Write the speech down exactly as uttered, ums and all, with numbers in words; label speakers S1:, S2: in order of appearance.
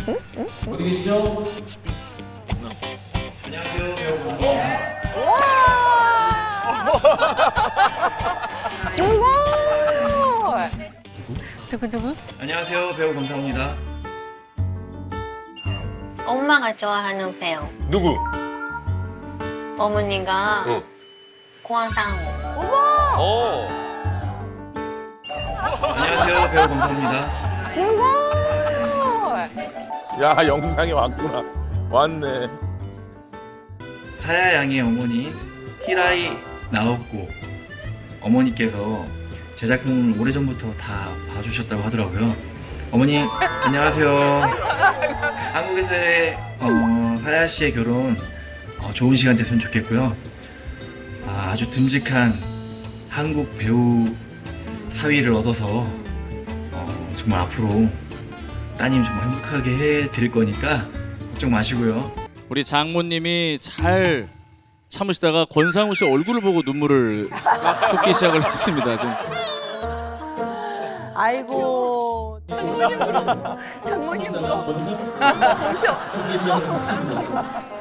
S1: 어디 계시죠? 안녕하세요, 배우.
S2: 정말. 누구 누구?
S1: 안녕하세요, 배우 검사입니다.
S3: 엄마가 좋아하는 배우.
S4: 누구?
S3: 어머니가
S4: 응.
S3: 고한상우.
S4: 어.
S1: 안녕하세요, 배우 검사입니다.
S2: 정말.
S4: 야, 영상이 왔구나. 왔네.
S1: 사야 양의 어머니 히라이 나오코 어머니께서 제 작품을 오래전부터 다 봐주셨다고 하더라고요. 어머니 안녕하세요. 한국에서의 어, 사야 씨의 결혼 어, 좋은 시간 됐으면 좋겠고요. 아, 아주 듬직한 한국 배우 사위를 얻어서 어, 정말 앞으로 따님 정말 행복하게 해드릴 거니까 걱정 마시고요.
S5: 우리 장모님이 잘 참으시다가 권상우 씨 얼굴을 보고 눈물을 쏟기 시작을 했습니다. 좀.
S2: 아이고. 장모님 울어. 장모님 울어. 보셔.